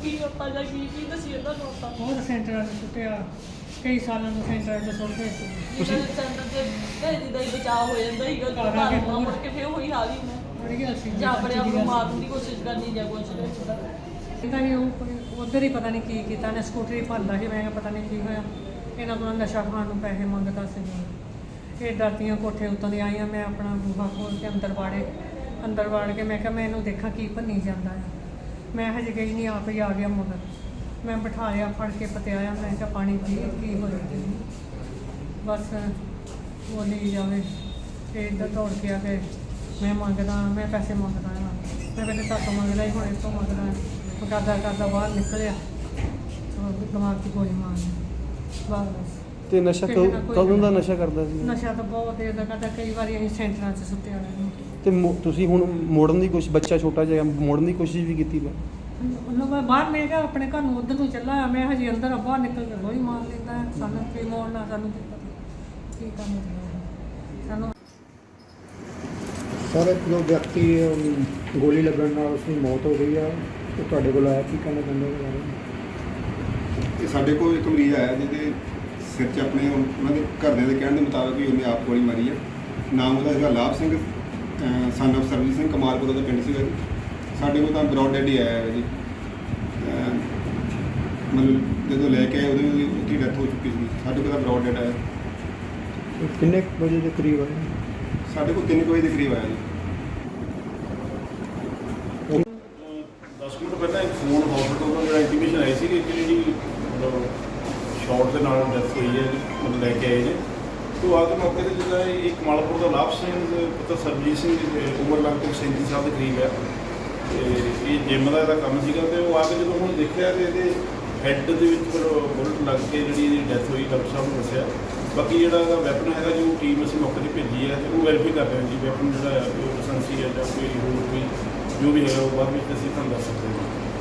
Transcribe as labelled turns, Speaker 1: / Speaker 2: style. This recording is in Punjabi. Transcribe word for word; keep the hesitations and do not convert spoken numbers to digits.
Speaker 1: ਕੀ ਆਪਾਂ ਜਾਂ ਕੀ ਕੀ ਦੱਸੀ ਇਹਨਾਂ ਨੂੰ ਆਪਾਂ
Speaker 2: ਬਹੁਤ ਸੈਂਟਰਾਂ 'ਚ ਸੁੱਟਿਆ ਕਈ ਸਾਲਾਂ ਤੋਂ ਸੈਂਟਰਾਂ 'ਚ ਸੁੱਟਦੇ ਸੀ।
Speaker 1: ਤੁਸੀਂ ਸੈਂਟਰ ਤੇ ਭੇਜੀ ਦਾ ਹੀ ਬਚਾਅ ਹੋ ਜਾਂਦਾ ਸੀਗਾ ਘਰ ਨੂੰ ਮੁੜ ਕੇ ਫਿਰ ਉਹੀ ਹਾਲ ਹੀ ਮੈਂ
Speaker 2: ਬੜੀ ਗੱਲ ਸੀ
Speaker 1: ਜਾਂ ਆਪਣੇ ਆਪ ਨੂੰ ਮਾਰਨ ਦੀ ਕੋਸ਼ਿਸ਼ ਕਰਨੀ ਜਾਂ ਕੁਛ ਨਹੀਂ
Speaker 2: ਪਤਾ ਨਹੀਂ ਉਹ ਉੱਧਰ ਹੀ ਪਤਾ ਨਹੀਂ ਕੀ ਕੀਤਾ ਨੇ ਸਕੂਟਰੀ ਭੰਦਾ ਸੀ। ਮੈਂ ਕਿਹਾ ਪਤਾ ਨਹੀਂ ਕੀ ਹੋਇਆ ਇਹਨਾਂ ਕੋਲ ਨਸ਼ਾ ਖਾਣ ਨੂੰ ਪੈਸੇ ਮੰਗਦਾ ਸੀ। ਇਹ ਡਰਦੀਆਂ ਕੋਠੇ ਉੱਤੋਂ ਦੀ ਆਈਆਂ ਮੈਂ ਆਪਣਾ ਬੂਹਾ ਖੋਲ੍ਹ ਕੇ ਅੰਦਰ ਵਾੜੇ ਅੰਦਰ ਵਾੜ ਕੇ ਮੈਂ ਕਿਹਾ ਮੈਂ ਇਹਨੂੰ ਦੇਖਾਂ ਕੀ ਭੰਨੀ ਜਾਂਦਾ ਆ। ਮੈਂ ਹਜੇ ਗਈ ਨਹੀਂ ਆਪ ਹੀ ਆ ਗਿਆ ਮਗਰ ਮੈਂ ਬਿਠਾਇਆ ਫੜ ਕੇ ਪਤਿਆਇਆ ਮੈਂ ਕਿਹਾ ਪਾਣੀ ਪੀ ਕੀ ਹੋਇਆ ਤੈਨੂੰ ਬਸ ਬੋਲੀ ਜਾਵੇ ਤੇ ਇੱਧਰ ਦੌੜ ਕੇ ਆ ਕੇ ਮੈਂ ਮੰਗਦਾ ਮੈਂ ਪੈਸੇ ਮੰਗਦਾ ਹਾਂ ਮੈਂ ਪਹਿਲੇ ਤਾਂ ਮੰਗਦਾ ਹੀ ਹੁਣ ਇਸ ਤੋਂ ਮੰਗਦਾ ਉਹ ਕਰਦਾ ਕਰਦਾ ਬਾਹਰ ਨਿਕਲਿਆ ਦਿਮਾਗ 'ਚ ਗੋਲੀ ਮਾਰਨੀ ਬਸ।
Speaker 3: ਤੇ ਨਸ਼ਾ ਕਦੋਂ ਦਾ ਨਸ਼ਾ ਕਰਦਾ ਸੀ?
Speaker 2: ਨਸ਼ਾ ਤਾਂ ਬਹੁਤ ਦੇਰ ਦਾ ਕਰਦਾ ਕਈ ਵਾਰੀ ਅਸੀਂ ਸੈਂਟਰਾਂ 'ਚ ਸੁੱਤੇ ਵਾਲੇ ਨੂੰ।
Speaker 3: ਤੇ ਤੁਸੀਂ ਹੁਣ ਮੋੜਨ ਦੀ ਕੋਸ਼ਿਸ਼ ਬੱਚਾ ਛੋਟਾ ਜਿਹਾ ਮੋੜਨ ਦੀ ਕੋਸ਼ਿਸ਼ ਵੀ ਕੀਤੀ?
Speaker 2: ਉਹਨੂੰ ਮੈਂ ਬਾਹਰ ਮੈਂ ਕਿਹਾ ਆਪਣੇ ਘਰ ਨੂੰ ਉੱਧਰ ਨੂੰ ਚੱਲਾ ਮੈਂ ਹਜੇ ਅੰਦਰ ਬਾਹਰ ਨਿਕਲ ਕੇ ਗੋਲੀ ਮਾਰ ਲੈਂਦਾ ਸਾਨੂੰ ਕੀ ਮੋੜਨਾ ਸਾਨੂੰ ਕੀ ਪਤਾ ਕੀ ਕੰਮ ਸਾਨੂੰ।
Speaker 4: ਸਰ ਜੋ ਵਿਅਕਤੀ ਗੋਲੀ ਲੱਗਣ ਨਾਲ ਉਸਦੀ ਮੌਤ ਹੋ ਗਈ ਆ ਉਹ ਤੁਹਾਡੇ ਕੋਲ ਆਇਆ ਕੀ ਕਹਿਣਾ ਚਾਹੁੰਦੇ ਹੋ ਬਾਰੇ?
Speaker 5: ਇਹ ਸਾਡੇ ਕੋਲ ਇੱਕ ਮਰੀਜ਼ ਆਇਆ ਜਿਹਦੇ ਸਿਰ 'ਚ ਆਪਣੇ ਉਹਨਾਂ ਦੇ ਘਰਦਿਆਂ ਦੇ ਕਹਿਣ ਦੇ ਮੁਤਾਬਕ ਵੀ ਉਹਨੇ ਆਪ ਗੋਲੀ ਮਾਰੀ ਆ। ਨਾਮ ਉਹਦਾ ਹੈਗਾ ਲਾਭ ਸਿੰਘ ਸਨ ਆਫ ਸਰਬਜੀਤ ਸਿੰਘ ਕਮਾਲਪੁਰ ਦਾ ਪਿੰਡ ਸੀਗਾ ਜੀ। ਸਾਡੇ ਕੋਲ ਤਾਂ ਬਰੋਡ ਡੈਡ ਹੀ ਆਇਆ ਹੈ ਜੀ। ਮਤਲਬ ਜਦੋਂ ਲੈ ਕੇ ਆਏ ਉਹਦੀ ਉੱਥੇ ਡੈਥ ਹੋ ਚੁੱਕੀ ਸੀ। ਸਾਡੇ ਕੋਲ ਤਾਂ ਬਰੋਡ ਡੈਡ ਆਇਆ।
Speaker 4: ਕਿੰਨੇ ਵਜੇ ਦੇ ਕਰੀਬ ਆਏ?
Speaker 5: ਸਾਡੇ ਕੋਲ ਤਿੰਨ ਵਜੇ ਦੇ ਕਰੀਬ ਆਇਆ ਜੀ।
Speaker 6: ਦਸ ਮਿੰਟ ਪਹਿਲਾਂ ਇੱਕ ਫੋਨ ਹਸਪੀਟਲ ਤੋਂ ਜਿਹੜਾ ਇੰਟੀਮੇਸ਼ਨ ਆਈ ਸੀ ਕਿ ਜਿਹੜੀ ਮਤਲਬ ਸ਼ਾਰਟ ਦੇ ਨਾਲ ਡੈਥ ਹੋਈ ਹੈ ਮਤਲਬ ਲੈ ਕੇ ਆਏ ਨੇ। ਤੋਂ ਆ ਕੇ ਮੌਕੇ 'ਤੇ ਜਿੱਦਾਂ ਇਹ ਕਮਾਲਪੁਰ ਦਾ ਲਾਭ ਸਿੰਘ ਪੁੱਤਰ ਸਰਬਜੀਤ ਸਿੰਘ ਉਮਰ ਲਗਭਗ ਸੈਂਤੀ ਸਾਲ ਦੇ ਕਰੀਬ ਹੈ ਤੇ ਇਹ ਜਿੰਮ ਦਾ ਇਹਦਾ ਕੰਮ ਸੀਗਾ। ਤੇ ਉਹ ਆ ਕੇ ਜਦੋਂ ਹੁਣ ਦੇਖਿਆ ਕਿ ਇਹਦੇ ਹੈੱਡ ਦੇ ਵਿੱਚ ਫਿਰ ਬੁਲਟ ਲੱਗ ਕੇ ਜਿਹੜੀ ਇਹਦੀ ਡੈਥ ਹੋਈ ਡਾਕਟਰ ਸਾਹਿਬ ਨੇ ਦੱਸਿਆ। ਬਾਕੀ ਜਿਹੜਾ ਇਹਦਾ ਵੈਪਨ ਹੈਗਾ ਜੋ ਟੀਮ ਅਸੀਂ ਮੌਕੇ 'ਤੇ ਭੇਜੀ ਹੈ ਤੇ ਉਹ ਵੈਰੀਫਾਈ ਕਰ ਰਹੇ ਹਾਂ ਜੀ ਵੈਪਨ ਜਿਹੜਾ ਹੈ ਉਹ ਲਾਇਸੈਂਸੀ ਹੈ ਜਾਂ ਕੋਈ ਹੋਰ ਕੋਈ ਜੋ ਵੀ ਹੈਗਾ ਉਹ ਬਾਅਦ ਵਿੱਚ ਅਸੀਂ ਤੁਹਾਨੂੰ ਦੱਸ ਸਕਦੇ ਹਾਂ।